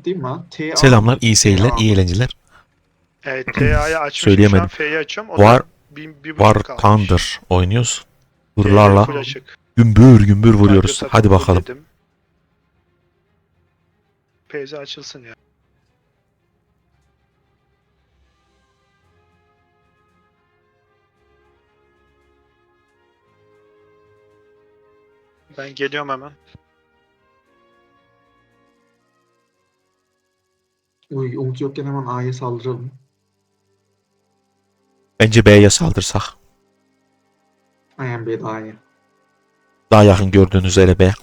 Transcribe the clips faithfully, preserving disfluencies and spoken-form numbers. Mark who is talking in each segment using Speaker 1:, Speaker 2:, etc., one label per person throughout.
Speaker 1: kilitleyeyim mi? T A
Speaker 2: Selamlar, iyi seyirler,
Speaker 1: T A
Speaker 2: iyi eğlenceler.
Speaker 3: Evet, T A'yı açmışım şu
Speaker 2: Söyleyemedim.
Speaker 3: an, F'yi açıyorum. O
Speaker 2: War,
Speaker 3: da bir, bir
Speaker 2: War
Speaker 3: buçuk kalmış.
Speaker 2: Thunder oynuyoruz.
Speaker 3: T R
Speaker 2: Hırlarla
Speaker 3: full açık.
Speaker 2: gümbür gümbür
Speaker 3: Radyo
Speaker 2: vuruyoruz.
Speaker 3: sapı
Speaker 2: Hadi
Speaker 3: full
Speaker 2: bakalım.
Speaker 3: dedim. P Z açılsın ya. Ben geliyorum hemen.
Speaker 1: Uy, Umut yokken hemen A'ya saldıralım.
Speaker 2: Bence B'ye saldırsak.
Speaker 1: Aynen B daha iyi.
Speaker 2: Daha yakın gördüğünüz üzere B.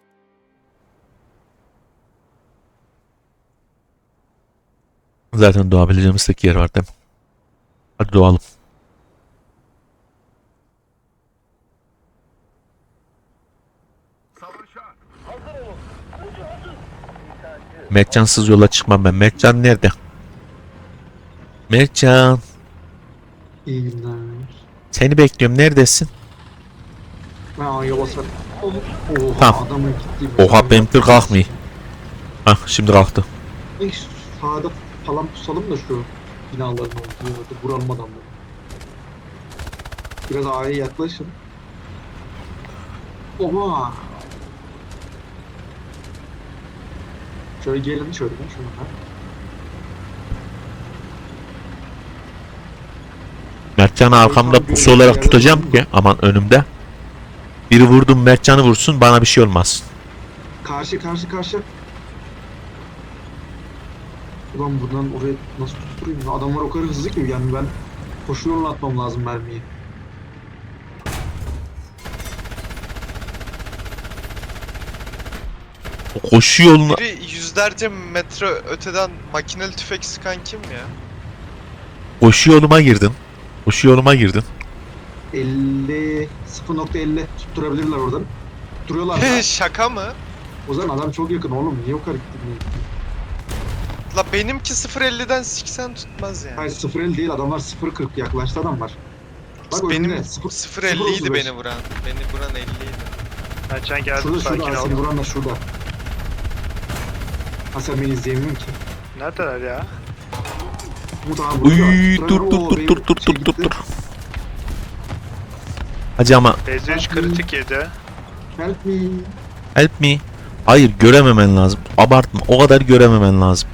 Speaker 2: Zaten doğabileceğimiz tek yer var değil mi? Hadi doğalım. Mertcansız yola çıkmam ben. Mertcan nerede? Mertcan.
Speaker 1: İyi günler.
Speaker 2: Seni bekliyorum. Neredesin?
Speaker 1: Ben A'ya basarım. Oha,
Speaker 2: Tamam.
Speaker 1: adamın gitti.
Speaker 2: Oha benim tır kalkmıyor. Hah şimdi kalktı.
Speaker 1: İlk sağda falan pusalım da şu binaların olduğu yerde vuralım adamları. Biraz A'ya yaklaşın. Oha! Şöyle gelin şöyle ben şuna.
Speaker 2: Mertcan'ı arkamda pusu olarak tutacağım ki aman önümde. Biri vurdum Mertcan'ı vursun bana bir şey olmaz.
Speaker 1: Karşı karşı karşı. Ulan buradan oraya nasıl tutturayım? ya? Adamlar o kadar hızlı ki yani ben koşu yoluna atmam lazım mermiyi.
Speaker 2: O koşu yoluna...
Speaker 4: Biri yüzlerce metre öteden makineli tüfek sıkan kim ya?
Speaker 2: Koşu yoluma girdin. Koşu yoluma girdin.
Speaker 1: elli sıfır nokta elli tutturabilirler oradan. Tutturuyorlar da.
Speaker 4: Şaka mı?
Speaker 1: O zaman adam çok yakın oğlum. Niye o kadar gittin?
Speaker 4: La benimki sıfır elliden siksen tutmaz yani.
Speaker 1: Hayır sıfır elli değil adamlar sıfır kırk yaklaştı adamlar. Bak
Speaker 4: Benim
Speaker 1: önünde, sıfır-
Speaker 4: sıfır
Speaker 1: sıfır
Speaker 4: elliydi
Speaker 1: otuz beş.
Speaker 4: beni vuran. Beni vuran elliydi.
Speaker 3: Mertcan geldi,
Speaker 1: Şurada
Speaker 3: sakin
Speaker 1: şurada seni
Speaker 3: ol.
Speaker 1: vuran da şurada. Ha sen beni izleyemiyorsun ki.
Speaker 3: Neredeler ya?
Speaker 1: Umut abi burada.
Speaker 2: Uy, dur
Speaker 1: Tutturan-
Speaker 2: dur
Speaker 1: Oo,
Speaker 2: dur
Speaker 1: benim
Speaker 2: dur dur
Speaker 1: şey
Speaker 2: dur dur
Speaker 1: gitti.
Speaker 2: dur. Hacı ama
Speaker 3: P Z üç kritik yedi.
Speaker 1: Help me.
Speaker 2: help me. Hayır görememen lazım. Abartma. O kadar görememen lazım.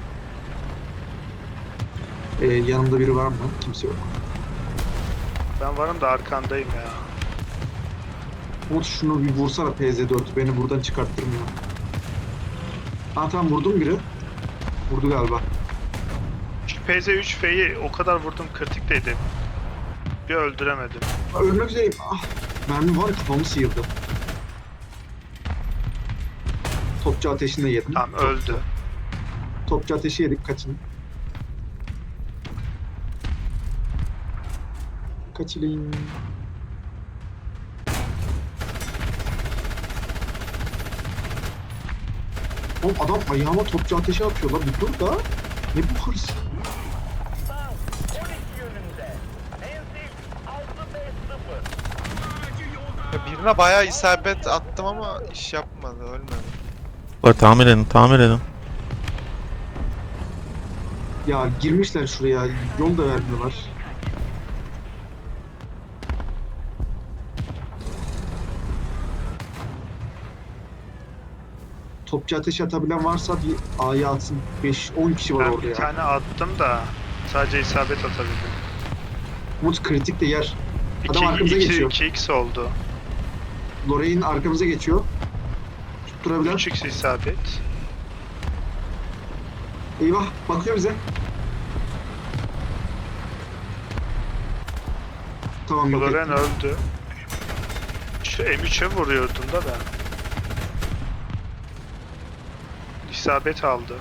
Speaker 1: Ee, yanımda biri var mı? Kimse yok.
Speaker 3: Ben varım da arkandayım ya.
Speaker 1: Umut şunu bir vursana P Z dört. Beni buradan çıkarttırmıyor. Ha tamam vurdum biri. Vurdu galiba.
Speaker 3: Şu P Z üç F'yi o kadar vurdum, kritikteydi. Bir öldüremedim.
Speaker 1: Aa, ölmek üzereyim. Ah, mermi var kafamı sıyırdı. Topçu ateşinde yedim.
Speaker 3: Tamam, öldü.
Speaker 1: Topçu ateşi yedik kaçın. Kaçılayım. Oğlum adam ayağıma topçu ateşi atıyor lan bir dur da. Ne bu hırs?
Speaker 4: Ya birine bayağı isabet attım ama iş yapmadı, ölmedi.
Speaker 2: Bak tamir edin tamir edin.
Speaker 1: Ya girmişler şuraya yol da vermiyorlar. Topçu ateşi atabilen varsa bir A'ya atsın. beş on kişi var
Speaker 3: Ben
Speaker 1: orada
Speaker 3: bir
Speaker 1: ya.
Speaker 3: tane attım da sadece isabet atabildim.
Speaker 1: Umut kritik de yer. Adam arkamıza geçiyor.
Speaker 3: iki x oldu.
Speaker 1: Lorraine arkamıza geçiyor. Tutturabilen.
Speaker 3: üç x isabet.
Speaker 1: Eyvah bakıyor bize. Tamam yok
Speaker 3: Loren
Speaker 1: ettim.
Speaker 3: öldü. Şu M üç'e vuruyordun da ben. İsabet aldı.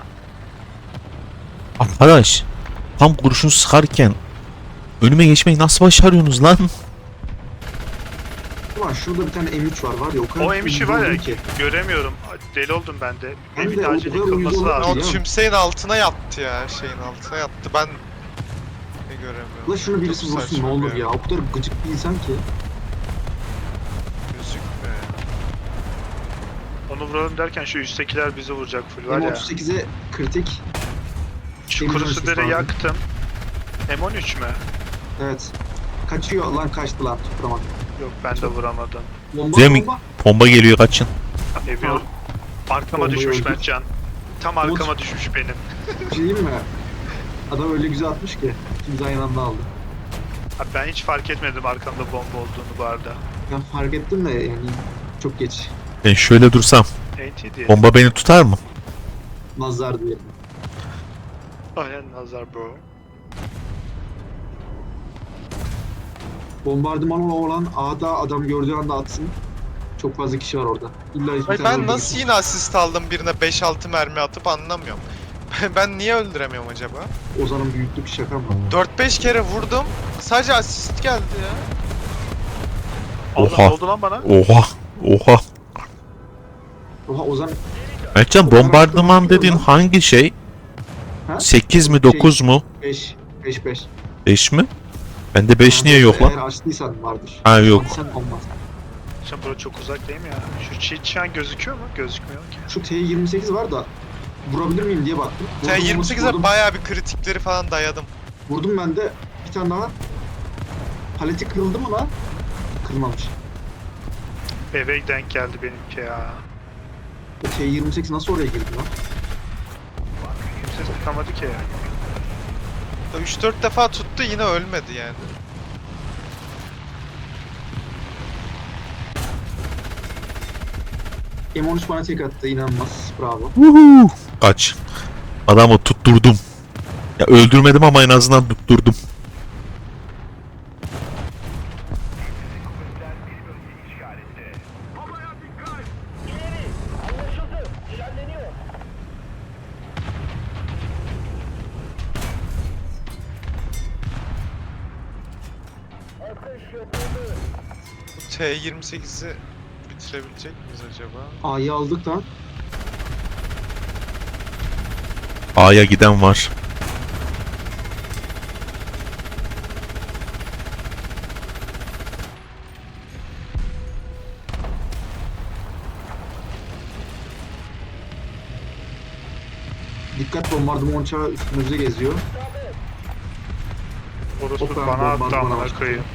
Speaker 2: Arkadaş tam kurşun sıkarken önüme geçmeyi nasıl başarıyorsunuz lan?
Speaker 1: Ulan şurada bir tane M üç var var ya o kadar
Speaker 3: O M üç'ü var ya,
Speaker 1: uyuz oldum ki.
Speaker 3: göremiyorum. Deli oldum ben de.
Speaker 1: Hem
Speaker 3: Evin
Speaker 1: de o
Speaker 3: acil
Speaker 1: kadar uyuz
Speaker 3: yıkılması
Speaker 1: oldum ki
Speaker 3: lazım.
Speaker 4: O
Speaker 1: ya.
Speaker 4: tümseyin altına yattı ya, şeyin altına yattı. Ben ne göremiyorum.
Speaker 1: Ulan şunu birisi
Speaker 4: Çok
Speaker 1: vursun ne
Speaker 4: saçma
Speaker 1: olur ya. O kadar gıcık bir insan ki.
Speaker 4: Gözükmüyor ya.
Speaker 3: Onu vuralım derken şu üsttekiler bizi vuracak full var
Speaker 1: M
Speaker 3: ya.
Speaker 1: otuz sekize kritik.
Speaker 3: Şu
Speaker 1: M otuz
Speaker 3: kurusu
Speaker 1: sekiz
Speaker 3: dere
Speaker 1: lazım.
Speaker 3: yaktım. M on üç mü?
Speaker 1: Evet. Kaçıyor lan, kaçtı lan, tutturamadım.
Speaker 3: Yok ben de vuramadım.
Speaker 1: Bomba
Speaker 2: Zemin-
Speaker 1: bomba.
Speaker 2: Bomba geliyor, kaçın.
Speaker 3: Evi
Speaker 1: Tamam.
Speaker 3: arkama
Speaker 1: Bombayı
Speaker 3: düşmüş
Speaker 1: öldür.
Speaker 3: Mertcan. Tam
Speaker 1: Umut.
Speaker 3: arkama düşmüş benim.
Speaker 1: Bir şey diyeyim mi? Adam öyle güzel atmış ki. İkimiz aynı anda aldı.
Speaker 3: Abi ben hiç fark etmedim arkamda bomba olduğunu bu arada.
Speaker 1: Ben fark ettim de yani çok geç.
Speaker 2: Ben şöyle dursam
Speaker 3: N T diye.
Speaker 2: bomba beni tutar mı?
Speaker 1: Nazar diyelim.
Speaker 3: Aynen nazar bro.
Speaker 1: Bombardıman olan A'da adam gördüğü anda atsın. Çok fazla kişi var orada. İlla hiçbir
Speaker 4: Ay
Speaker 1: tane
Speaker 4: ben
Speaker 1: öldürürsün.
Speaker 4: nasıl yine asist aldım birine beş altı mermi atıp anlamıyorum. Ben niye öldüremiyorum acaba?
Speaker 1: Ozan'ın büyüklük şaka mı?
Speaker 4: dört beş kere vurdum. Sadece asist geldi ya.
Speaker 3: Allah
Speaker 2: Oha.
Speaker 3: ne oldu lan bana?
Speaker 2: Oha. Oha.
Speaker 1: Oha Ozan
Speaker 2: Mertcan, bombardıman dediğin hangi şey?
Speaker 1: Ha?
Speaker 2: sekiz mi dokuz mu?
Speaker 1: beş beş beş.
Speaker 2: beş mi? Bende beş niye yok
Speaker 1: Eğer
Speaker 2: lan?
Speaker 1: açtıysan vardır.
Speaker 2: Ha yok.
Speaker 1: Sen olmaz.
Speaker 3: Şimdi bura çok uzak değil mi ya? Şu cheat şu an gözüküyor mu? Gözükmüyor ki.
Speaker 1: Şu T yirmi sekiz var da vurabilir miyim diye baktım. Vurdum,
Speaker 4: T yirmi sekize
Speaker 1: vurdum,
Speaker 4: bayağı bir kritikleri falan dayadım.
Speaker 1: vurdum ben de bir tane daha. Paleti kırıldı mı lan? Kırılmamış.
Speaker 3: Eve denk geldi benimki ya.
Speaker 1: O T yirmi sekiz nasıl oraya girdi lan?
Speaker 3: Kimse sıkamadı ki.
Speaker 4: üç dört defa tuttu yine ölmedi yani.
Speaker 1: M on üç bana tek attı, inanılmaz. Bravo.
Speaker 2: Vuhuu. Kaç. Adamı tutturdum. Ya öldürmedim ama en azından tutturdum.
Speaker 4: Bu T yirmi sekizi bitirebilecek miyiz acaba?
Speaker 1: A'yı aldık lan.
Speaker 2: A'ya giden var.
Speaker 1: Dikkat, bombardıman uçağı üstümüzde geziyor.
Speaker 3: Orospu
Speaker 1: Hoppa,
Speaker 3: bana attı
Speaker 1: bombardımana
Speaker 3: amına
Speaker 1: başladı.
Speaker 3: koyayım.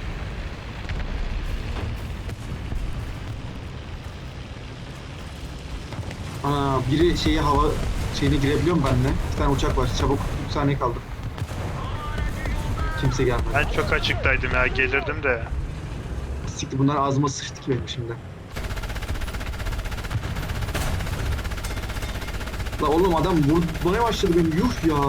Speaker 1: Ana biri şeyi hava şeyine girebiliyor mu benimle? Bir tane uçak var, çabuk, üç saniye kaldı. Kimse gelmedi.
Speaker 3: Ben çok açıktaydım ya gelirdim de.
Speaker 1: Siktir, bunlar ağzıma sıçtı ki benim şimdi. La oğlum adam vurmaya başladı beni, yuh ya.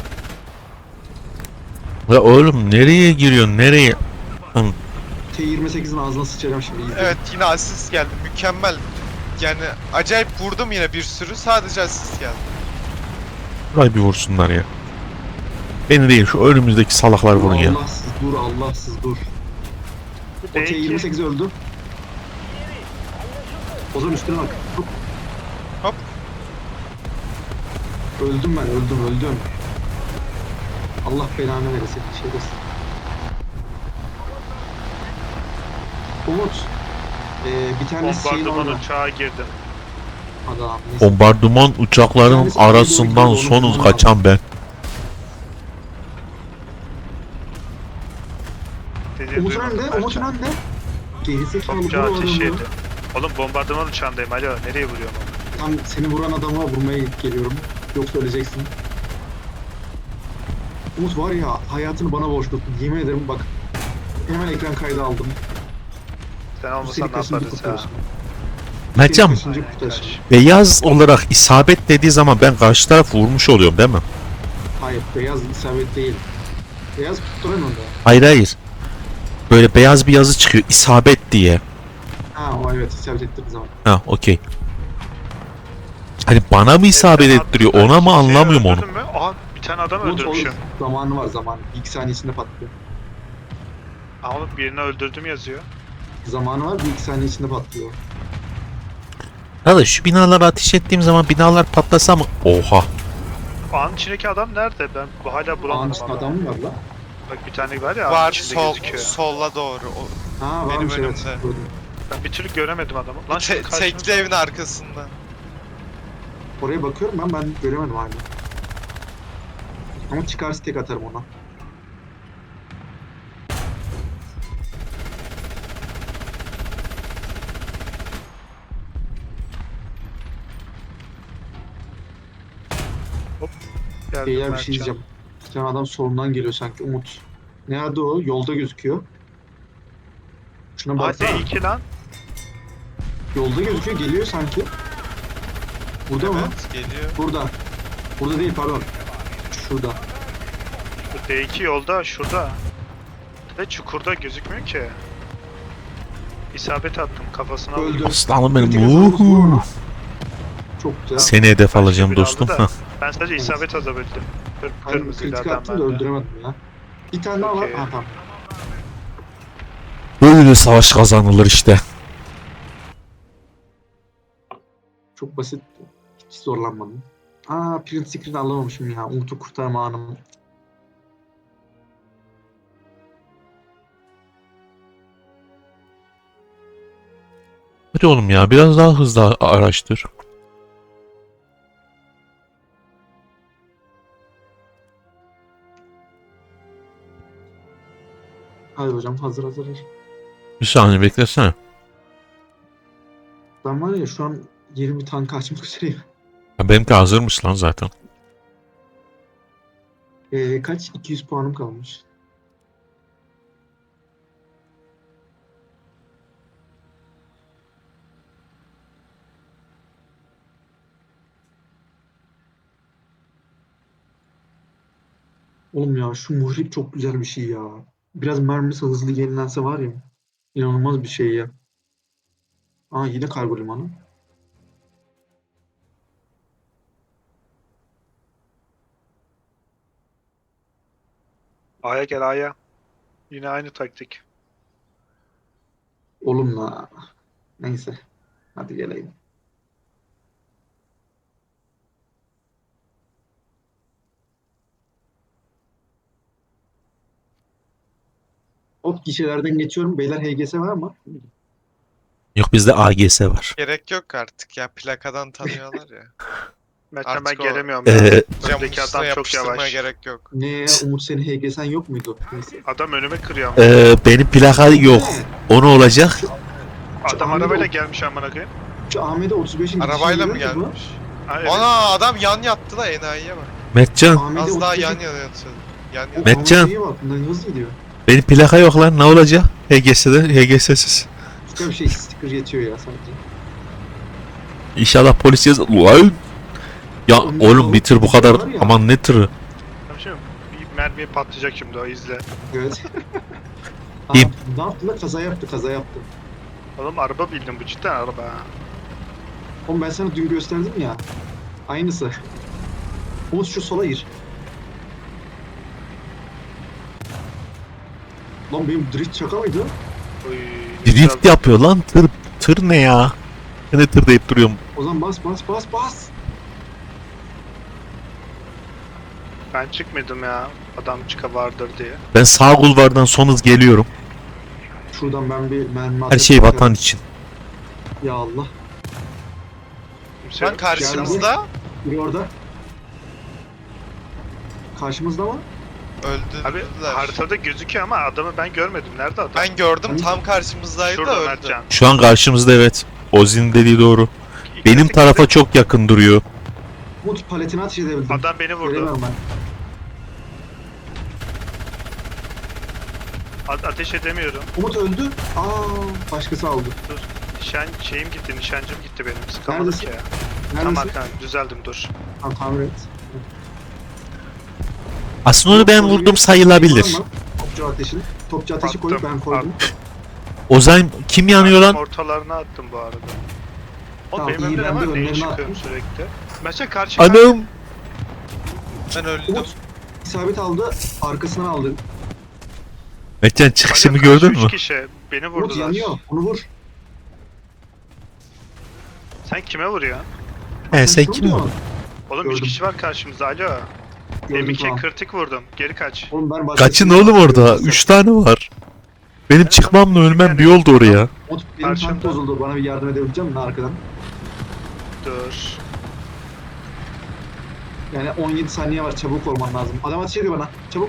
Speaker 2: Ya oğlum nereye giriyorsun, nereye? Lan,
Speaker 1: T yirmi sekizin ağzına sıçacağım şimdi. izle.
Speaker 4: Evet yine asist geldi mükemmel. Yani acayip vurdum yine bir sürü sadece asist geldi.
Speaker 2: Burayı bir vursunlar ya. Beni değil, şu önümüzdeki salaklar vurun ya.
Speaker 1: Allahsız dur, Allahsız dur.
Speaker 3: Bu
Speaker 1: O T yirmi
Speaker 3: D iki
Speaker 1: sekiz öldü. Ozan üstüne bak. Hop.
Speaker 4: Hop.
Speaker 1: Öldüm ben, öldüm, öldüm. Allah belanı veresin, şerefsiz. Umut. Ee, bir tane şeyin
Speaker 3: bombardıman
Speaker 1: orada.
Speaker 3: uçağa girdim.
Speaker 1: Adam, neyse.
Speaker 2: Bombardıman uçaklarının arasından sonuz kaçan ben.
Speaker 3: Dediğini
Speaker 1: Umut'un
Speaker 3: duymadım
Speaker 1: önünde,
Speaker 3: Mertcan.
Speaker 1: Umut'un önünde. Gerizekalı
Speaker 3: Topça
Speaker 1: vur
Speaker 3: ateş
Speaker 1: adamı.
Speaker 3: yedi. Oğlum bombardıman uçağındayım alo nereye vuruyorum?
Speaker 1: Tam seni vuran adama vurmaya geliyorum. Yoksa öleceksin. Umut var ya, hayatını bana borçlusun. Yemin ederim bak. Hemen ekran kaydı aldım.
Speaker 3: Sen
Speaker 1: Bu
Speaker 3: olmasan
Speaker 1: seni
Speaker 3: ne
Speaker 1: kaçıncı
Speaker 3: yaparız ya?
Speaker 1: kurtarışın?
Speaker 2: Mertcan,
Speaker 1: Kaçıncı
Speaker 3: Aynen
Speaker 1: kurtarışın?
Speaker 3: kardeşim.
Speaker 2: beyaz olarak isabet dediği zaman ben karşı taraf vurmuş oluyorum değil mi?
Speaker 1: Hayır, beyaz isabet değil. Beyaz tutturamıyorum da.
Speaker 2: Hayır hayır. Böyle beyaz bir yazı çıkıyor, isabet diye.
Speaker 1: Ha o evet, isabet ettiğim zaman.
Speaker 2: Ha okey. Hani bana mı isabet
Speaker 3: Sen
Speaker 2: ettiriyor,
Speaker 3: attın,
Speaker 2: ona mı
Speaker 3: kimseyi
Speaker 2: anlamıyorum onu.
Speaker 3: öldürdün mü? Aha bir tane adam
Speaker 1: Umut
Speaker 3: öldürmüşüm.
Speaker 1: oğlum, zamanı var zaman. Bir iki saniye içinde patlıyor.
Speaker 3: Aa oğlum birini öldürdüm yazıyor.
Speaker 1: Zamanı var, bir iki saniye içinde patlıyor.
Speaker 2: Ya da şu binalara ateş ettiğim zaman binalar patlasa mı? Oha.
Speaker 3: Ağın içindeki adam nerede? Ben bu hala
Speaker 1: Ağın
Speaker 3: bulamadım
Speaker 1: içinde
Speaker 3: ama.
Speaker 1: adam mı var lan?
Speaker 3: Bak bir tane var ya ağın
Speaker 4: Var
Speaker 3: içinde
Speaker 4: sol,
Speaker 3: gözüküyor.
Speaker 4: solla doğru. O,
Speaker 1: Ha
Speaker 4: Benim
Speaker 1: varmış evet.
Speaker 4: önümde.
Speaker 1: Gördüm.
Speaker 3: Ben bir türlü göremedim adamı. Lan
Speaker 4: te,
Speaker 3: şu karşımızda-
Speaker 4: tekli evin arkasında.
Speaker 1: Oraya bakıyorum ben, ben göremedim hala. Ama çıkarsa tek atarım ona.
Speaker 3: Geldim
Speaker 1: Beyler bir
Speaker 3: Mertcan.
Speaker 1: şey diyeceğim. Bir tane adam solundan geliyor sanki, Umut. Nerede o? Yolda gözüküyor. Şuna
Speaker 3: Aa
Speaker 1: baksana.
Speaker 3: D iki lan.
Speaker 1: Yolda gözüküyor, geliyor sanki. Burada mı?
Speaker 4: Evet geliyor.
Speaker 1: Burada. Burada değil, pardon. Şurada.
Speaker 3: Bu D iki yolda şurada. Ve çukurda gözükmüyor ki. İsabet attım kafasına.
Speaker 1: Öldü.
Speaker 3: vurdum.
Speaker 2: Aslanım benim.
Speaker 1: Kritik hasar olsun
Speaker 2: Uhu.
Speaker 1: ama. Çok güzel.
Speaker 2: Seni hedef
Speaker 3: Başka
Speaker 2: alacağım
Speaker 3: biri aldı
Speaker 2: dostum.
Speaker 3: da.
Speaker 2: Hah.
Speaker 3: Ben sadece isabet atabildim. Kır,
Speaker 1: Hayır,
Speaker 3: kırmızıydı
Speaker 1: kritik
Speaker 3: adam
Speaker 1: attım da
Speaker 3: bende.
Speaker 1: öldüremedim ya. Bir tane daha var.
Speaker 3: Okey.
Speaker 1: Ha tamam.
Speaker 2: Böyle savaş kazanılır işte.
Speaker 1: Çok basit. Hiç zorlanmadım. Aa, print screen alamamışım ya. Umut'u kurtarma anım.
Speaker 2: Hadi oğlum ya biraz daha hızlı araştır.
Speaker 1: Hadi hocam, hazır hazır. hazır.
Speaker 2: Bir saniye beklesene.
Speaker 1: Ben var ya şu an yirmi tank açmak üzereyim.
Speaker 2: Ya benimki hazırmış lan zaten.
Speaker 1: Ee, kaç? iki yüz puanım kalmış. Oğlum ya şu muhrip çok güzel bir şey ya. Biraz mermisi hızlı yenilense var ya. İnanılmaz bir şey ya. Aa, yine kargo limanı.
Speaker 3: A'ya gel A'ya. Yine aynı taktik.
Speaker 1: Oğlum la. Neyse. Hadi geleyim. Hop, gişelerden geçiyorum. Beyler H G S var mı?
Speaker 2: Yok bizde A G S var.
Speaker 4: Gerek yok artık ya, plakadan tanıyorlar ya.
Speaker 3: Mertcan ben
Speaker 4: Artık o-
Speaker 3: gelemiyorum ya.
Speaker 2: Ee,
Speaker 4: Camın
Speaker 3: Öndeki
Speaker 4: üstüne
Speaker 3: adam çok
Speaker 4: yapıştırmaya
Speaker 3: yavaş.
Speaker 4: gerek yok.
Speaker 1: Ne ya, Umut, senin H G S'en yok muydu? Neyse.
Speaker 3: Adam önüme kırıyor ama.
Speaker 2: Ee, benim plaka yok.
Speaker 1: Ne?
Speaker 2: Onu olacak.
Speaker 3: Adam
Speaker 1: Ahmet
Speaker 3: arabayla
Speaker 1: o-
Speaker 3: gelmiş amına koyayım.
Speaker 1: Şu Ahmet'e otuz beşin
Speaker 4: Arabayla mı
Speaker 1: gidişini görüyor musun?
Speaker 4: gelmiş?
Speaker 3: Ha, evet.
Speaker 4: Ana adam yan yattı da enayiye bak.
Speaker 2: Mertcan
Speaker 1: Ahmet'e
Speaker 4: Az daha
Speaker 1: otuz beşin
Speaker 4: yan yana yatıyordu. Yan
Speaker 1: O
Speaker 4: yana.
Speaker 2: Mertcan.
Speaker 1: Ahmet'e iyi bak, bundan hızlı gidiyor.
Speaker 2: benim plaka yok lan ne olacak? H G S'de H G S'siz.
Speaker 1: Başka bir şey, sticker yetiyor ya sadece.
Speaker 2: İnşallah polis yaz... Ulan! Ya
Speaker 1: Oğlum,
Speaker 2: oğlum
Speaker 1: o-
Speaker 2: bitir bu kadar.
Speaker 1: var ya.
Speaker 2: Aman ne tırı.
Speaker 3: Tamam, şimdi bir mermiye patlayacak şimdi o izle.
Speaker 1: Evet.
Speaker 2: İyiyim.
Speaker 1: Aa, ne yaptı lan? Kaza yaptı, kaza yaptı.
Speaker 3: Oğlum araba bildim bu cidden araba. ha.
Speaker 1: Oğlum ben sana dün gösterdim ya. Aynısı. Umut şu sola gir. Lan benim drift şaka mıydı?
Speaker 3: Oy, ne
Speaker 2: Drift
Speaker 3: güzel.
Speaker 2: yapıyor lan tır. Tır ne ya? Ben de tır deyip duruyorum.
Speaker 1: O zaman bas bas bas bas.
Speaker 3: Ben çıkmadım ya. Adam çıka vardır diye.
Speaker 2: Ben sağ kulvardan son hız geliyorum.
Speaker 1: Şuradan ben bir mermi
Speaker 2: Her
Speaker 1: atıp
Speaker 2: şey
Speaker 1: bakarım.
Speaker 2: vatan için.
Speaker 1: Ya Allah.
Speaker 3: Kimse
Speaker 4: Lan
Speaker 3: yok.
Speaker 4: karşımızda
Speaker 1: Biri orada. Karşımızda mı?
Speaker 3: Abi
Speaker 4: öldürdüler.
Speaker 3: haritada gözüküyor ama adamı ben görmedim. Nerede adam?
Speaker 4: Ben gördüm,
Speaker 1: Hani-
Speaker 4: tam karşımızdaydı da
Speaker 3: Şurada
Speaker 4: öldü.
Speaker 3: Mertcan.
Speaker 2: Şu an karşımızda evet. Ozi'nin dediği doğru.
Speaker 3: İki
Speaker 2: Benim
Speaker 3: kritik
Speaker 2: tarafa
Speaker 3: kritik.
Speaker 2: çok yakın duruyor.
Speaker 1: Umut paletini ateş edebildim.
Speaker 3: Adam beni vurdu.
Speaker 1: Göremiyorum ben.
Speaker 3: A- ateş edemiyorum.
Speaker 1: Umut öldü. Aa, başkası aldı.
Speaker 3: Dur. Nişan şeyim gitti, nişancım gitti benim. Sıkamadım
Speaker 1: Neredesin?
Speaker 3: ki ya. Tam
Speaker 1: Neredesin?
Speaker 3: arkana düzeldim dur.
Speaker 1: Tamam, tamir et.
Speaker 2: Aslında onu ben
Speaker 1: Umut,
Speaker 2: vurdum
Speaker 1: oraya
Speaker 2: sayılabilir.
Speaker 1: şey var mı? Topçu ateşini. Topçu ateşi
Speaker 3: Attım,
Speaker 1: koyup ben koydum.
Speaker 2: Ozan kim yanıyor lan?
Speaker 3: Ortalarına attım bu arada. Oğlum
Speaker 1: Tamam,
Speaker 3: benim
Speaker 1: iyi,
Speaker 3: önümde ne
Speaker 1: ben de
Speaker 3: var? Neyi
Speaker 1: önlerine
Speaker 3: çıkıyorum
Speaker 1: attım.
Speaker 3: sürekli? Mesela karşı karşı.
Speaker 2: Anam.
Speaker 4: Ben öldüm.
Speaker 1: Umut isabet aldı. Arkasından aldı.
Speaker 2: Mertcan çıkışımı
Speaker 3: Alo,
Speaker 2: gördün
Speaker 3: karşı
Speaker 2: mü?
Speaker 3: Üç kişi beni
Speaker 1: Umut
Speaker 3: vurdular.
Speaker 1: yanıyor. Onu vur.
Speaker 3: Sen kime vuruyorsun?
Speaker 2: He sen
Speaker 1: şunu
Speaker 2: kim
Speaker 1: diyor.
Speaker 2: vurdun?
Speaker 3: Oğlum üç
Speaker 1: Gördüm.
Speaker 3: kişi var karşımızda. Alo.
Speaker 1: Gördüm
Speaker 3: M iki
Speaker 1: tamam.
Speaker 3: kritik vurdum. Geri kaç.
Speaker 1: Oğlum ben başka
Speaker 2: Kaçın
Speaker 1: bir-
Speaker 2: oğlum orada? Üç tane var. Benim çıkmamla ölmem bir yoldu oraya.
Speaker 1: Umut benim
Speaker 3: Karşımda.
Speaker 1: tank bozuldu. Bana bir yardım edebilecek misin arkadan?
Speaker 3: Dur.
Speaker 1: Yani on yedi saniye var, çabuk olman lazım. Adam ateş ediyor bana. Çabuk.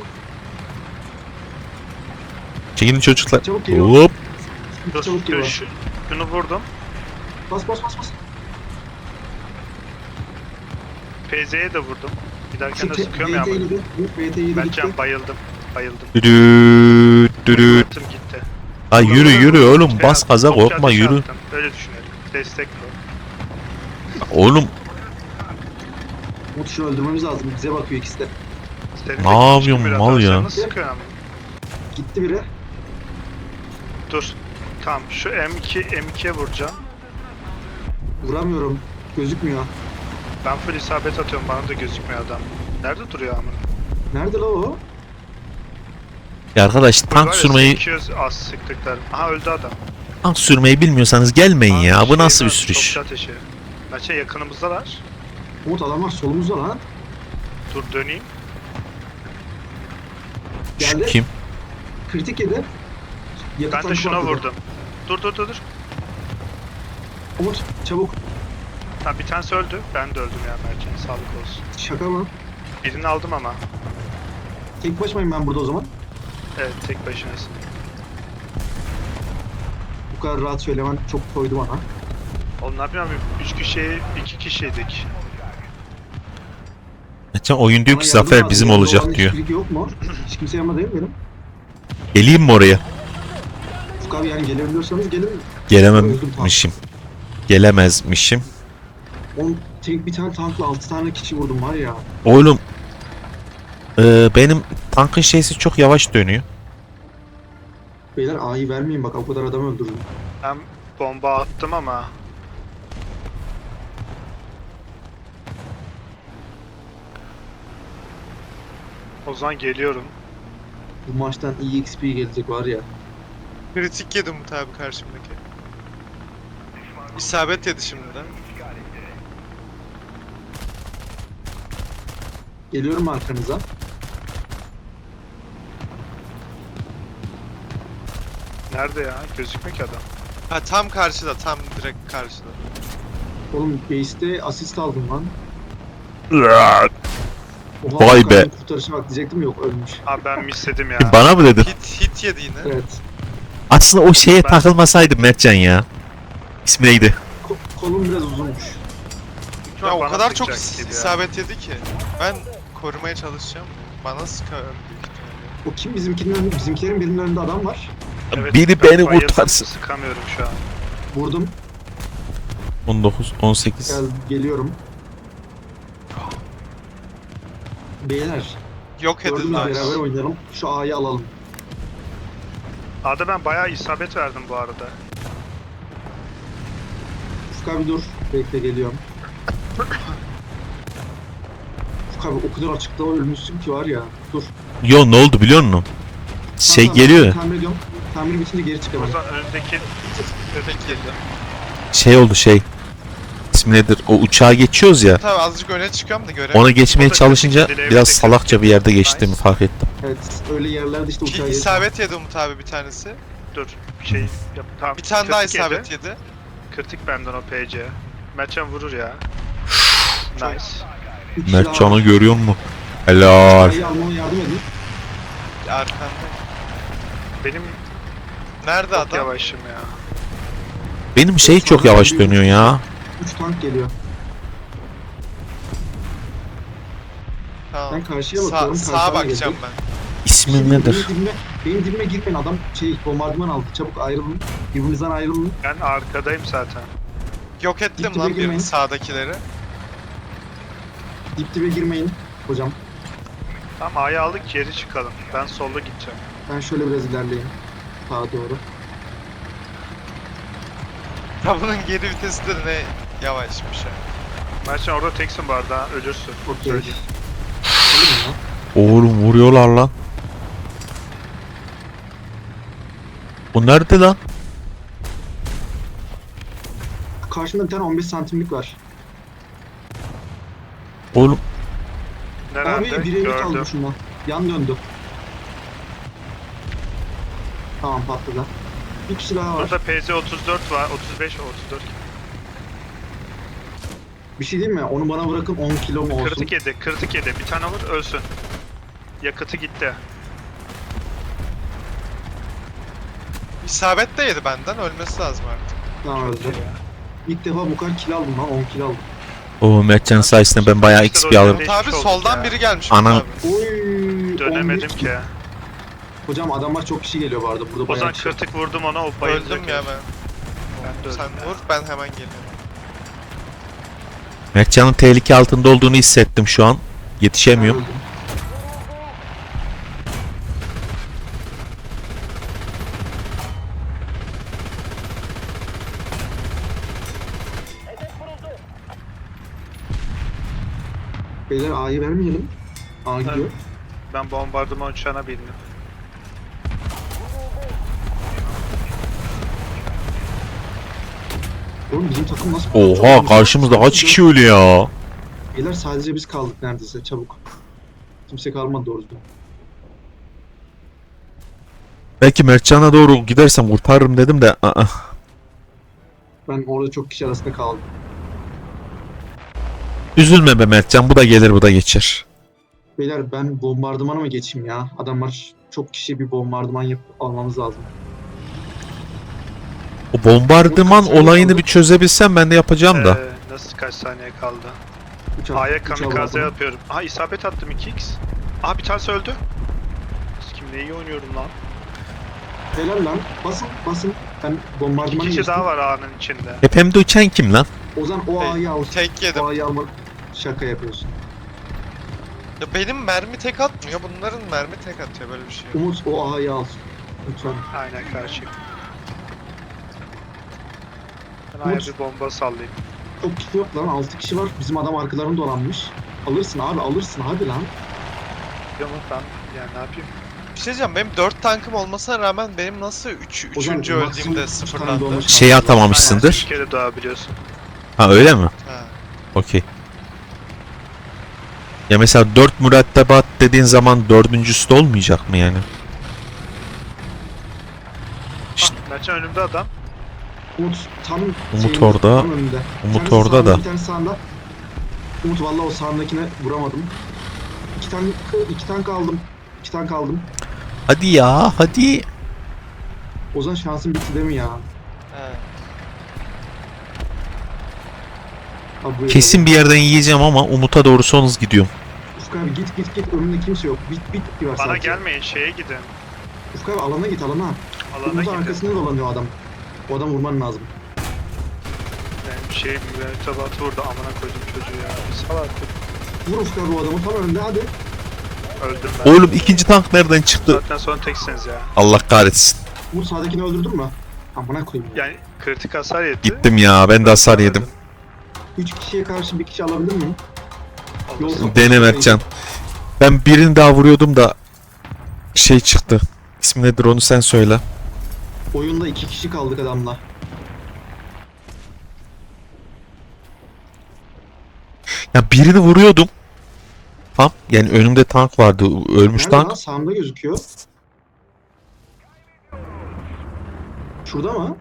Speaker 2: Çekilin çocuklar.
Speaker 1: Çabuk geliyor.
Speaker 2: Hop.
Speaker 3: Dur,
Speaker 1: Çabuk
Speaker 3: dur,
Speaker 1: geliyor.
Speaker 3: şu, şunu vurdum.
Speaker 1: Bas bas bas bas.
Speaker 3: P Z'ye de vurdum. Giderken
Speaker 1: Şu
Speaker 3: de
Speaker 1: te-
Speaker 3: sıkıyorum ya.
Speaker 1: V T yedi. V T yedi gitti.
Speaker 3: Mertcan bayıldım. Bayıldım.
Speaker 2: Dürüt dürüt.
Speaker 3: Atım gitti.
Speaker 2: Ha yürü yürü oğlum,
Speaker 3: Şey
Speaker 2: bas
Speaker 3: attım,
Speaker 2: gaza,
Speaker 3: topçu
Speaker 2: korkma
Speaker 3: ateşi
Speaker 2: yürü.
Speaker 3: attım. Öyle düşünelim. Destek bu.
Speaker 2: Oğlum
Speaker 1: Umut şunu öldürmemiz lazım. Bize bakıyor ikisi de.
Speaker 3: Senin
Speaker 2: Ne
Speaker 3: de
Speaker 2: yapıyorsun
Speaker 3: küçük bir
Speaker 2: mal
Speaker 3: atar,
Speaker 2: ya?
Speaker 3: sen nasıl sıkıyorsun ama?
Speaker 1: Gitti biri.
Speaker 3: Dur. Tamam şu M iki M ikiye vuracağım.
Speaker 1: Vuramıyorum. Gözükmüyor.
Speaker 3: Ben full isabet atıyorum, bana da gözükmüyor adam. Nerede duruyor ama?
Speaker 1: Nerede la o?
Speaker 2: ya arkadaş,
Speaker 3: Var
Speaker 2: tank
Speaker 3: ya,
Speaker 2: sürmeyi
Speaker 3: sekiz yüz az sıktıklar. Aha öldü adam.
Speaker 2: tank sürmeyi bilmiyorsanız gelmeyin
Speaker 3: Aa,
Speaker 2: ya. Bu
Speaker 3: şey
Speaker 2: nasıl bir
Speaker 3: var,
Speaker 2: sürüş?
Speaker 3: Topçu ateşi. Maça yakınımızdalar.
Speaker 1: Umut adamlar solumuzda lan.
Speaker 3: Dur döneyim.
Speaker 2: Şu
Speaker 1: Geldi.
Speaker 2: kim?
Speaker 1: Kritik yedi. Yakıt
Speaker 3: Ben de
Speaker 1: tankı
Speaker 3: şuna
Speaker 1: patladı.
Speaker 3: vurdum. Dur dur dur dur.
Speaker 1: Umut çabuk.
Speaker 3: Tamam bir tanesi öldü. Ben de öldüm ya Mertcan. Sağlık olsun.
Speaker 1: Şaka mı?
Speaker 3: Birini aldım ama.
Speaker 1: Tek başımayım ben burada o zaman.
Speaker 3: Evet tek başınasın.
Speaker 1: Bu kadar rahat söylemen çok koydu bana.
Speaker 3: Oğlum ne yapayım abi? Üç kişi, iki kişiydik.
Speaker 2: Geçen oyun diyor
Speaker 1: Bana
Speaker 2: ki
Speaker 1: yardım
Speaker 2: zafer
Speaker 1: lazım.
Speaker 2: bizim
Speaker 1: Yanında
Speaker 2: olacak
Speaker 1: olan
Speaker 2: diyor.
Speaker 1: hiçbiri yok mu? Hiç kimse yanında değil mi benim?
Speaker 2: Geleyim mi oraya?
Speaker 1: Ufuk abi yani gelebiliyorsanız gelin.
Speaker 2: Gelememişim. Gelemezmişim.
Speaker 1: On tek bir tane tankla altı tane kişi vurdum var ya.
Speaker 2: Oğlum eee, benim tankın şeysi çok yavaş dönüyor.
Speaker 1: Beyler A'yı vermeyin bak, o kadar adam öldürdüm.
Speaker 3: Ben bomba attım ama. O zaman geliyorum.
Speaker 1: Bu maçtan E X P gelecek var ya.
Speaker 4: Kritik yedi Umut abi karşımdaki. İsabet yedi şimdiden.
Speaker 1: Geliyorum arkanıza.
Speaker 3: Nerede ya? Gözükmüyor ki adam.
Speaker 4: Ha tam karşıda, tam direkt karşıda.
Speaker 1: Oğlum base'te asist aldım lan. Oha,
Speaker 2: Vay
Speaker 1: Hakan'ın
Speaker 2: be.
Speaker 1: Kurtarışa bak diyecektim, yok ölmüş.
Speaker 3: Abi ben misledim ya.
Speaker 2: Bana mı dedin?
Speaker 4: Hit, hit yedi yine.
Speaker 1: Evet.
Speaker 2: Aslında o şeye
Speaker 3: Ben-
Speaker 2: takılmasaydım Mertcan ya. İsmi neydi?
Speaker 1: Ko- kolum biraz uzunmuş.
Speaker 4: Ya o
Speaker 3: Bana
Speaker 4: kadar çok
Speaker 3: sıkacak gibi ya.
Speaker 4: isabet yedi ki. Ben korumaya çalışacağım. Bana sıkar büyük ihtimalle.
Speaker 1: O kim bizimkinin önünde? Bizimkilerin birinin önünde adam var.
Speaker 3: Evet,
Speaker 2: Biri
Speaker 3: ben
Speaker 2: beni
Speaker 3: bayıldım,
Speaker 2: kurtarsın.
Speaker 3: Sıkamıyorum şu an.
Speaker 1: Vurdum.
Speaker 2: on dokuz, on sekiz.
Speaker 1: Gel, geliyorum. Beyler,
Speaker 4: Yok
Speaker 1: gördünüz
Speaker 4: edildi.
Speaker 1: beraber oynayalım. Şu A'yı alalım.
Speaker 3: A'da ben bayağı isabet verdim bu arada.
Speaker 1: Ufuk abi dur. Bekle geliyorum. Ufuk abi o kadar açıkta ölmüşsün ki var ya. Dur.
Speaker 2: Yo, ne oldu biliyor musun? Şey
Speaker 1: Tamam, tamam,
Speaker 2: geliyor.
Speaker 1: Tamir ediyorum. Tamir bitince geri
Speaker 3: O
Speaker 1: çıkamam.
Speaker 3: zaman önündeki
Speaker 4: Kritik yedi.
Speaker 2: Şey oldu şey. İsmi nedir? O uçağa geçiyoruz ya.
Speaker 4: Tabii azıcık öne çıkıyorum da göremiyorum.
Speaker 2: Ona geçmeye
Speaker 3: O da
Speaker 2: çalışınca
Speaker 3: kritik,
Speaker 2: biraz
Speaker 3: kritik.
Speaker 2: salakça bir yerde geçtiğimi
Speaker 3: Nice.
Speaker 2: fark ettim.
Speaker 1: Evet, öyle yerlerde işte uçağa
Speaker 4: Ki
Speaker 1: geç.
Speaker 4: isabet yedi Umut abi bir tanesi.
Speaker 3: dur şey yap. Tamam.
Speaker 4: Bir tane daha
Speaker 3: kritik yedi.
Speaker 4: isabet yedi.
Speaker 3: Kritik benden o P C. Mertcan vurur ya. Nice.
Speaker 1: Üç kişi daha
Speaker 2: Mertcan'ı
Speaker 1: var.
Speaker 2: görüyor musun? Helal.
Speaker 1: A'yı almama yardım edin.
Speaker 4: Arkanda.
Speaker 3: Benim
Speaker 4: Nerede
Speaker 3: çok
Speaker 4: adam?
Speaker 3: yavaşım ya.
Speaker 2: Benim şey çok yavaş dönüyor ya.
Speaker 1: üç tank geliyor.
Speaker 4: Tamam.
Speaker 1: Ben karşıya
Speaker 4: Sa-
Speaker 1: bakıyorum.
Speaker 4: sağa
Speaker 1: karşıdan
Speaker 4: bakacağım
Speaker 1: gelecek.
Speaker 4: ben.
Speaker 2: İsmin nedir?
Speaker 1: Benim dibime, benim dibime girmeyin, adam şey bombardıman aldı. Çabuk ayrılın. Birbirinizden ayrılın.
Speaker 3: Ben arkadayım zaten.
Speaker 4: Yok ettim
Speaker 1: Dip dibe
Speaker 4: lan
Speaker 1: girmeyin.
Speaker 4: birini sağdakileri.
Speaker 1: Dip dibe girmeyin hocam.
Speaker 3: Tamam A'yı aldık, geri çıkalım. Ben solda gideceğim.
Speaker 1: Ben şöyle biraz ilerleyeyim. Sağa doğru.
Speaker 4: Ya bunun geri vitesi de ne yavaşmış ya.
Speaker 3: Mertcan orada teksin bu arada, ölürsün.
Speaker 1: Okey.
Speaker 3: Söyleyeyim.
Speaker 1: Olur mu?
Speaker 2: Oğlum vuruyorlar lan. Bu nerede lan?
Speaker 1: Karşımda bir tane on beş santimlik var.
Speaker 2: Oğlum
Speaker 3: Nerede?
Speaker 1: Abi biri kaldı
Speaker 3: Gördüm.
Speaker 1: şundan. Yan döndü. Tamam patladı. Bir kişi daha var.
Speaker 3: Burada P Z otuz dört var. otuz beş, otuz dört.
Speaker 1: Bir şey diyeyim mi? Onu bana bırakın on kilo mu olsun?
Speaker 3: Kritik yedi, kritik yedi. Bir tane vur ölsün. Yakıtı gitti.
Speaker 4: İsabet de yedi benden. Ölmesi lazım artık.
Speaker 1: Tamam öldü. İlk defa bu kadar kill aldım lan, on kill aldım.
Speaker 2: O Mertcan sayesinde ben bayağı X P alırım.
Speaker 3: Geçmiş
Speaker 4: Umut abi
Speaker 3: olduk
Speaker 4: soldan
Speaker 3: ya.
Speaker 4: biri gelmiş.
Speaker 2: Ana-
Speaker 4: Umut abi.
Speaker 1: Oy.
Speaker 3: Dönemedim
Speaker 1: on bir.
Speaker 3: ki.
Speaker 1: Hocam adamlar çok kişi geliyor bu arada. Burada
Speaker 3: O
Speaker 1: bayağı
Speaker 3: zaman
Speaker 1: kişi.
Speaker 3: kritik vurdum ona, o bayılacak.
Speaker 4: Öldüm ya ben.
Speaker 3: Ben de öldüm
Speaker 4: Sen
Speaker 3: ya.
Speaker 4: vur, ben hemen geliyorum.
Speaker 2: Mertcan'ın tehlike altında olduğunu hissettim şu an. Yetişemiyorum.
Speaker 1: Ben öldüm. Beyler A'yı vermeyelim. A gidiyor.
Speaker 3: Ben bombardıman uçağına bindim.
Speaker 1: Oğlum bizim takım nasıl...
Speaker 2: Oha, karşımızda kaç kişi ölüyor ya?
Speaker 1: Beyler sadece biz kaldık neredeyse, çabuk. Kimse kalmadı doğru düzgün.
Speaker 2: Belki Mertcan'a doğru gidersem kurtarırım dedim de. Aa.
Speaker 1: Ben orada çok kişi arasında kaldım.
Speaker 2: Üzülme be Mertcan, bu da gelir bu da geçer.
Speaker 1: Beyler ben bombardımana mı geçeyim ya? Adamlar çok kişi, bir bombardıman yapıp almamız lazım.
Speaker 2: O bombardıman olayını bir çözebilsem ben de yapacağım da.
Speaker 3: Ee, nasıl kaç saniye kaldı?
Speaker 1: Uçak,
Speaker 3: A'ya
Speaker 1: uçağı
Speaker 3: kamikaze
Speaker 1: aldım.
Speaker 3: yapıyorum. Aha isabet attım iki x. Aha bir tanesi öldü. Kim ne iyi oynuyorum lan.
Speaker 1: Helal lan. Basın basın. Ben
Speaker 3: İki
Speaker 1: bombardımana
Speaker 3: kişi
Speaker 1: geçtim.
Speaker 3: daha var A'nın içinde.
Speaker 2: Tepemde uçan kim lan?
Speaker 1: Ozan o
Speaker 3: Hey,
Speaker 1: A'yı al.
Speaker 4: Tek yedim.
Speaker 1: O A'yı alma. Şaka yapıyorsun.
Speaker 4: Ya benim mermi tek atmıyor. Bunların mermi tek atıyor, böyle bir şey yok.
Speaker 1: Umut o A'yı al. Lütfen.
Speaker 3: Aynen karşı. Ben A'ya
Speaker 1: Umut.
Speaker 3: bir bomba sallayayım.
Speaker 1: Çok kişi yok lan. altı kişi var. Bizim adam arkalarını dolanmış. Alırsın abi, alırsın hadi lan.
Speaker 3: Yok mu ben yani ne yapayım?
Speaker 4: Bir şey diyeceğim, benim dört tankım olmasına rağmen benim nasıl üç,
Speaker 1: O zaman
Speaker 4: üçüncü
Speaker 1: maksimum
Speaker 4: öldüğümde
Speaker 1: üç tane
Speaker 4: sıfırlandı?
Speaker 1: dolmuş.
Speaker 2: Şeyi
Speaker 3: Aynen,
Speaker 2: atamamışsındır.
Speaker 3: bir kere daha biliyorsun.
Speaker 2: Ha öyle mi?
Speaker 4: Ha.
Speaker 2: Okey. Ya mesela dört mürettebat dediğin zaman dördüncüsü de olmayacak mı yani? İşte-
Speaker 3: Ah, Mertcan önümde adam.
Speaker 1: Umut tam
Speaker 2: Umut
Speaker 1: şeyinde,
Speaker 2: orada.
Speaker 1: tam önünde. Bir
Speaker 2: Umut
Speaker 1: tanesi
Speaker 2: orada
Speaker 1: sağında,
Speaker 2: da.
Speaker 1: Bir tane sağında. Umut vallahi o sağındakine vuramadım. İki tane iki tank aldım. İki tank aldım.
Speaker 2: Hadi ya hadi.
Speaker 1: Ozan şansın bitti değil mi ya?
Speaker 4: Ha.
Speaker 1: Abi, buyur.
Speaker 2: Kesin bir yerden yiyeceğim ama Umut'a doğru sonuz gidiyorum.
Speaker 1: Ufuk abi git git git, önünde kimse yok. Bit bit bir var
Speaker 3: Bana
Speaker 1: sadece.
Speaker 3: gelmeyin şeye gidin.
Speaker 1: Ufuk abi alana git alana.
Speaker 3: Alana
Speaker 1: Umut'un
Speaker 3: gidin.
Speaker 1: arkasında dolanıyor adam. O adam vurman lazım.
Speaker 3: Yani şey mürettebatı vurdu amına koydum çocuğu ya. Bir sal artık.
Speaker 1: Vur Ufuk abi o adamı tam önünde hadi.
Speaker 3: Öldüm ben.
Speaker 2: Oğlum ikinci tank nereden çıktı?
Speaker 3: Zaten sonra teksiniz ya.
Speaker 2: Allah kahretsin.
Speaker 1: Vur sağdakini öldürdün mü? Amına koyayım ya.
Speaker 3: Yani kritik hasar yedi.
Speaker 2: Gittim ya, ben de hasar yedim.
Speaker 1: Üç kişiye karşı bir kişi alabilir miyim?
Speaker 3: Olursa-
Speaker 1: Yok.
Speaker 2: Dene Mertcan. Ben birini daha vuruyordum da şey çıktı. İsmi nedir onu sen söyle.
Speaker 1: Oyunda iki kişi kaldık adamla.
Speaker 2: Ya birini vuruyordum. Tam yani önümde tank vardı. Ölmüş
Speaker 1: Nerede
Speaker 2: tank.
Speaker 1: lan? Sağımda gözüküyor. Şurada mı?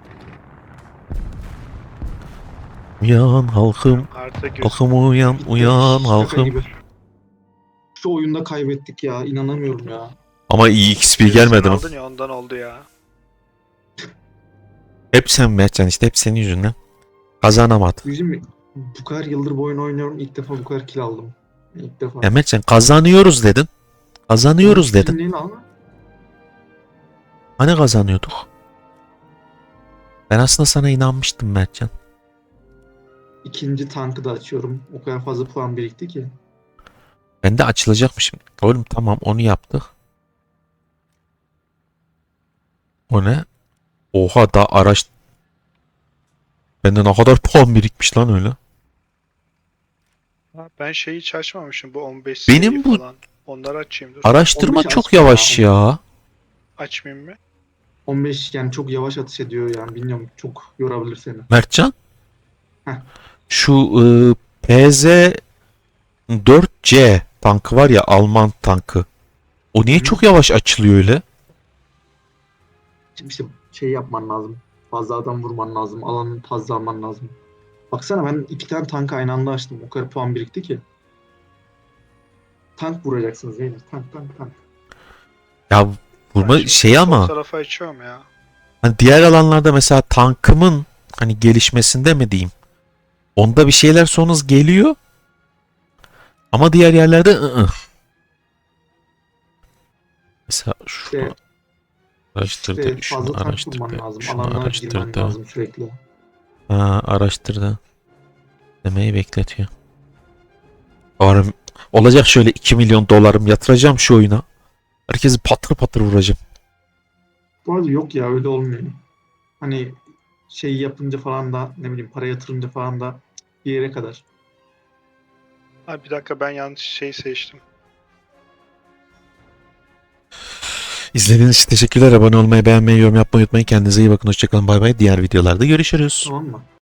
Speaker 2: Uyan halkım.
Speaker 3: Harita göz.
Speaker 2: Halkım uyan.
Speaker 1: Bitti.
Speaker 2: Uyan
Speaker 1: Şaka
Speaker 2: halkım.
Speaker 1: gibi. Şu oyunda kaybettik ya. İnanamıyorum ya.
Speaker 2: Ama iyi X P gelmedi mi?
Speaker 3: Aldın ya ondan oldu ya.
Speaker 2: Hep sen Mertcan, işte hep senin yüzünden. Kazanamadı.
Speaker 1: Bizim bu kadar yıldır bu oyunu oynuyorum. İlk defa bu kadar kill aldım. İlk defa.
Speaker 2: Ya Mertcan kazanıyoruz dedin. Kazanıyoruz dedin.
Speaker 1: Neyin ama?
Speaker 2: Hani kazanıyorduk? Ben aslında sana inanmıştım Mertcan.
Speaker 1: İkinci tankı da açıyorum. O kadar fazla puan birikti ki.
Speaker 2: Ben de açılacakmışım. Oğlum tamam onu yaptık. O ne? Oha da araç... Bende ne kadar puan birikmiş lan öyle.
Speaker 3: Ha, ben şeyi hiç açmamışım bu on beş
Speaker 2: Benim
Speaker 3: seviye
Speaker 2: bu-
Speaker 3: falan. Onları açayım dur.
Speaker 2: Araştırma
Speaker 1: on beş
Speaker 2: çok
Speaker 1: açma
Speaker 2: yavaş
Speaker 1: ya.
Speaker 2: ya.
Speaker 3: Açmayayım mı?
Speaker 1: on beş yani çok yavaş atış ediyor yani. Bilmiyorum, çok yorabilir seni.
Speaker 2: Mertcan.
Speaker 1: Heh.
Speaker 2: Şu ıı, P Z dört C tankı var ya, Alman tankı. O niye
Speaker 1: Hı.
Speaker 2: çok yavaş açılıyor öyle?
Speaker 1: Şimdi işte şey yapman lazım. Fazla adam vurman lazım. Alanı fazla alman lazım. Baksana ben iki tane tank aynı anda açtım. O kadar puan birikti ki. Tank vuracaksınız değil mi? Tank tank tank.
Speaker 2: Ya vurma
Speaker 3: Ben şimdi
Speaker 2: şey
Speaker 3: sol
Speaker 2: ama
Speaker 3: tarafa açıyorum ya.
Speaker 2: hani diğer alanlarda mesela tankımın hani gelişmesinde mi diyeyim? Onda bir şeyler sonuz geliyor. Ama diğer yerlerde ı-ı. Mesela şunu
Speaker 1: İşte,
Speaker 2: araştırdı,
Speaker 1: işte
Speaker 2: şunu
Speaker 1: fazla tank
Speaker 2: araştırdı,
Speaker 1: vurman lazım.
Speaker 2: şunu
Speaker 1: Alanlara girmen
Speaker 2: araştırdı.
Speaker 1: lazım sürekli.
Speaker 2: Ha, araştırdı. Demeyi bekletiyor. Varım, olacak şöyle iki milyon dolarım yatıracağım şu oyuna. Herkesi patır patır vuracağım.
Speaker 1: Bu arada yok ya öyle olmuyor. Hani şey yapınca falan da ne bileyim para yatırınca falan da bir yere kadar.
Speaker 3: Ha, bir dakika ben yanlış şey seçtim.
Speaker 2: İzlediğiniz için teşekkürler. Abone olmayı, beğenmeyi, yorum yapmayı unutmayın. Kendinize iyi bakın. Hoşçakalın. Bay bay. Diğer videolarda görüşürüz.
Speaker 1: Tamam mı?